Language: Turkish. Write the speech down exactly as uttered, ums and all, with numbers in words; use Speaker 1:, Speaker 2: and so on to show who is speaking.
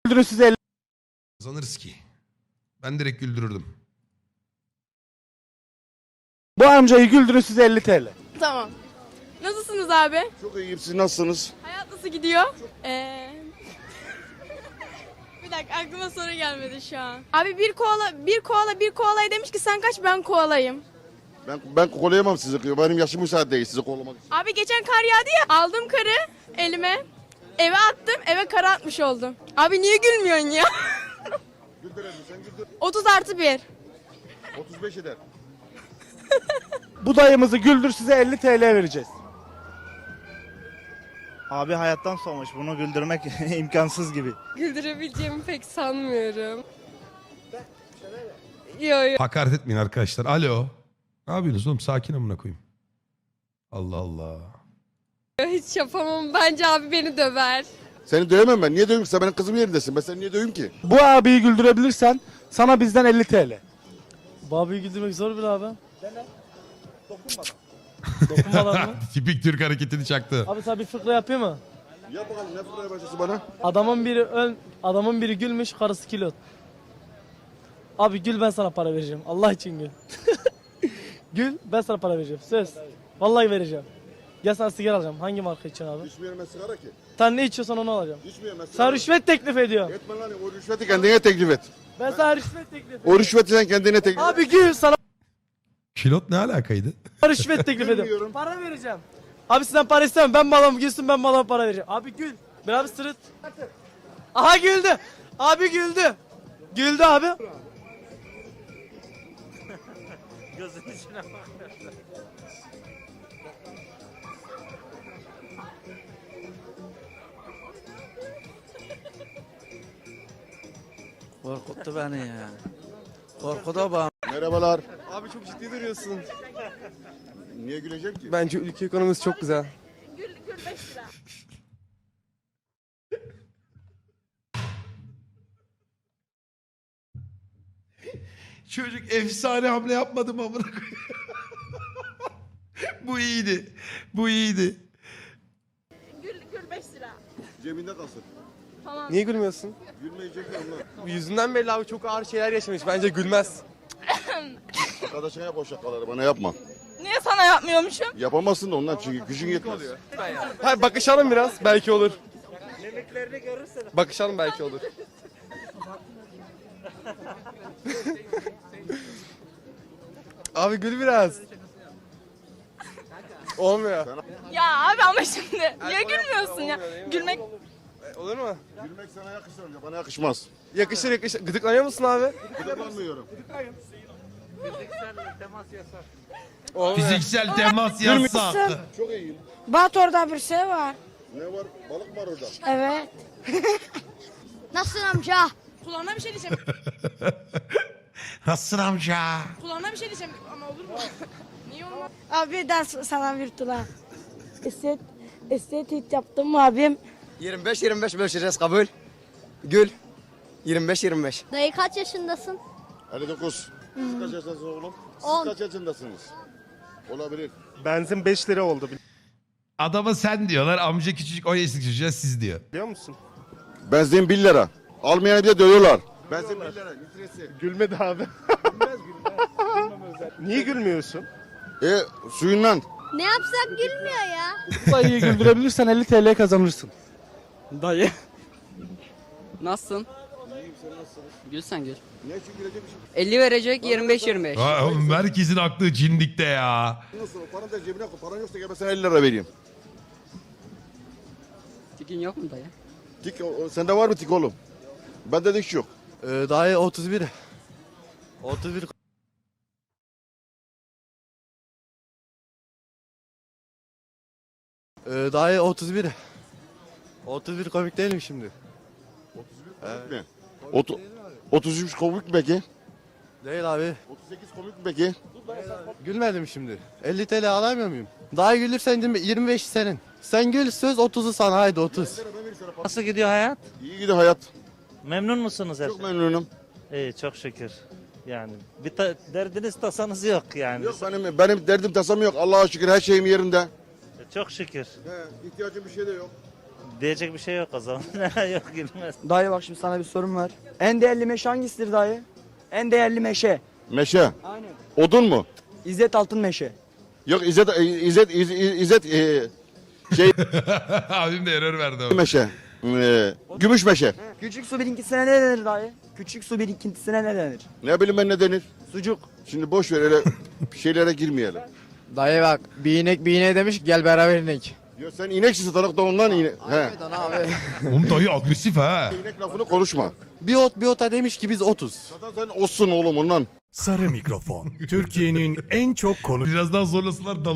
Speaker 1: Güldürün size elli.
Speaker 2: Kazanırız ki. Ben direkt güldürürdüm.
Speaker 1: Bu amcayı güldürün size elli T L.
Speaker 3: Tamam. Nasılsınız abi?
Speaker 4: Çok iyiyim, siz nasılsınız?
Speaker 3: Hayat nasıl gidiyor? Ee... bir dakika aklıma soru gelmedi şu an. Abi bir koala, bir koala, bir koalaya demiş ki sen kaç ben koalayım.
Speaker 4: Ben ben kolayamam sizi, benim yaşım müsaade değil sizi kollamak için.
Speaker 3: Abi geçen kar yağdı ya aldım karı elime. Eve attım eve kar atmış oldum. Abi niye gülmüyorsun ya?
Speaker 4: Güldür hadi, sen güldür.
Speaker 3: otuz artı bir.
Speaker 4: otuz beş eder.
Speaker 1: Bu dayımızı güldür size elli T L vereceğiz.
Speaker 5: Abi hayattan soğumuş. Bunu güldürmek imkansız gibi.
Speaker 6: Güldürebileceğimi pek sanmıyorum. Yo yo.
Speaker 2: Hakaret etmeyin arkadaşlar. Alo. Ne yapıyorsunuz oğlum? Sakin amına koyayım. Allah Allah.
Speaker 6: Hiç yapamam. Bence abi beni döver.
Speaker 4: Seni dövemem ben. Niye döveyim ki? Sen benim kızım yerindesin. Ben seni niye döveyim ki?
Speaker 1: Bu abiyi güldürebilirsen sana bizden elli T L.
Speaker 7: Bu abiyi güldürmek zor bir abi. Dene. Dokunmadan. Dokunmadan mı?
Speaker 2: Tipik Türk hareketini çaktı.
Speaker 7: Abi sana bir fıkra yapıyor mu?
Speaker 4: Yap bakalım ne fırlaya başlasın bana?
Speaker 7: Adamın biri öl, adamın biri gülmüş, karısı kilot. Abi gül ben sana para vereceğim. Allah için gül. Gül ben sana para vereceğim. Söz. Vallahi vereceğim. Gel sana sigara alacağım. Hangi marka içiyorsun abi?
Speaker 4: İçmiyorum ben sigara ki.
Speaker 7: Sen ne içiyorsan onu alacağım.
Speaker 4: İçmiyorum ben sigara.
Speaker 7: Sen rüşvet teklif ediyorsun.
Speaker 4: Etme lan, o rüşveti kendine teklif et.
Speaker 7: Ben sana rüşvet teklif ediyorum.
Speaker 4: O rüşveti sen kendine teklif et.
Speaker 7: Abi gül sana
Speaker 2: Kilot ne alakaydı?
Speaker 7: rüşvet teklif ediyorum.
Speaker 4: Bilmiyorum.
Speaker 7: Para vereceğim. Abi sizden para istemem. Ben malam gülsün ben malama para vereceğim. Abi gül. Bir abi sırıt. Aha güldü. Abi güldü. Güldü abi.
Speaker 5: Gözünün içine bak.
Speaker 8: Korkuttu beni ya. Korkuda bana.
Speaker 4: Merhabalar.
Speaker 9: Abi çok ciddi duruyorsun.
Speaker 4: Niye güleceğim ki?
Speaker 9: Bence ülke ekonomisi çok güzel.
Speaker 3: Gül, gül beş lira.
Speaker 2: Çocuk efsane hamle yapmadı mı amına koyayım? Bu iyiydi. Bu iyiydi.
Speaker 3: Gül, gül beş lira.
Speaker 4: Cebinde kalsın.
Speaker 3: Tamam.
Speaker 9: Niye gülmüyorsun?
Speaker 4: Gülmeyecek onlar.
Speaker 9: Yüzünden belli abi çok ağır şeyler yaşamış. Bence gülmez.
Speaker 4: Arkadaşına yap o şakaları, bana yapma.
Speaker 3: Niye sana yapmıyormuşum?
Speaker 4: Yapamazsın da ondan çünkü gücün yetmez.
Speaker 9: Hayır bakışalım biraz belki olur. Bakışalım belki olur. Abi gül biraz. Olmuyor.
Speaker 3: Ya abi ama şimdi niye gülmüyorsun ya? Gülmek
Speaker 9: Olur mu?
Speaker 4: Gülmek sana yakışır önce, bana yakışmaz.
Speaker 9: Yakışır yakışır. Gıdıklanıyor musun abi?
Speaker 4: Gıdıklanmıyorum.
Speaker 9: Olmuyor.
Speaker 2: Fiziksel temas yasak.
Speaker 4: Çok iyiyim.
Speaker 10: Bat orada bir şey var.
Speaker 4: Ne var? Balık var orada.
Speaker 10: Evet. Nasılsın amca?
Speaker 3: kulağına bir şey diyeceğim.
Speaker 2: Nasılsın amca?
Speaker 3: Kulağına bir şey diyeceğim ama olur mu? Niye olmaz?
Speaker 10: Abi ders sana bir tula. Estet, estetik yaptım abim.
Speaker 8: yirmi beş yirmi beş bölüşeceğiz kabul. Gül. yirmi beş yirmi beş.
Speaker 10: Dayı kaç yaşındasın?
Speaker 4: elli dokuz. Siz kaç yaşındasınız oğlum? Siz
Speaker 10: On.
Speaker 4: kaç yaşındasınız? Olabilir.
Speaker 9: Benzin beş lira oldu
Speaker 2: Adama sen diyorlar. Amca küçücük on yaşındaki çocuğa siz diyor.
Speaker 9: biliyor musun?
Speaker 4: Benzin bir lira. Almayanı bir de dövüyorlar. Benzin bir lira. Litresi.
Speaker 9: Gülmedi abi. Niye gülmüyorsun?
Speaker 4: E suyundan.
Speaker 10: Ne yapsak gülmüyor ya.
Speaker 1: Bu dayıyı güldürebilirsen elli T L kazanırsın.
Speaker 8: Dayı. Nasılsın? Gül sen gül.
Speaker 4: Niye çünkü gülecekmişim?
Speaker 8: elli verecek yirmi beş yirmi beş.
Speaker 2: Ha, oğlum, herkesin aklı cindikte ya.
Speaker 4: Nasıl? Paranı da cebine koy. Paran yoksa gel ben sana elli lira vereyim.
Speaker 8: Tikin yok mu dayı?
Speaker 4: Tik, o- o- sende var mı tik oğlum? Bende dik yok.
Speaker 9: Ee, dayı otuz bir. otuz bir. Ee, dayı otuz bir. otuz bir komik değil mi şimdi?
Speaker 4: Mi? Otu, otuz üç komik mi peki?
Speaker 9: Değil abi.
Speaker 4: otuz sekiz komik mi peki?
Speaker 9: Gülmedim şimdi. elli T L alamıyor muyum? Daha gülürsen yirmi beş senin. Sen gül söz otuzu sana haydi otuz.
Speaker 5: Nasıl gidiyor hayat?
Speaker 4: İyi gidiyor hayat.
Speaker 5: Memnun musunuz her
Speaker 4: Çok
Speaker 5: şey?
Speaker 4: memnunum.
Speaker 5: İyi çok şükür. Yani bir ta- derdiniz tasanız yok yani.
Speaker 4: Yok benim benim derdim tasam yok. Allah'a şükür her şeyim yerinde.
Speaker 5: Çok şükür.
Speaker 4: He, ihtiyacım bir şey de yok.
Speaker 5: Diyecek bir şey yok o zaman. Yok gülmez.
Speaker 8: Dayı bak şimdi sana bir sorum var. En değerli meşe hangisidir dayı? En değerli meşe.
Speaker 4: Meşe.
Speaker 8: Aynen.
Speaker 4: Odun mu?
Speaker 8: İzzet Altın Meşe.
Speaker 4: Yok İzzet, İzzet, İzzet, İzzet e, şey
Speaker 2: Abim de error verdi o.
Speaker 4: meşe. E, gümüş meşe.
Speaker 8: Küçük su birikintisine ne denir dayı? Küçük su birikintisine ne denir?
Speaker 4: Ne bileyim ben ne denir?
Speaker 8: Sucuk.
Speaker 4: Şimdi boş ver öyle şeylere girmeyelim.
Speaker 8: Dayı bak bir inek bir ineğe demiş gel beraber inek.
Speaker 4: Ya sen ineksin satalak da ondan inek. He.
Speaker 8: abi.
Speaker 2: Oğlum dayı agresif ha.
Speaker 4: İnek lafını konuşma.
Speaker 9: Bir ot bir ota demiş ki biz otuz.
Speaker 4: Zaten sen olsun oğlum ondan.
Speaker 11: Sarı Mikrofon. Türkiye'nin en çok konu
Speaker 2: Birazdan zorlasınlar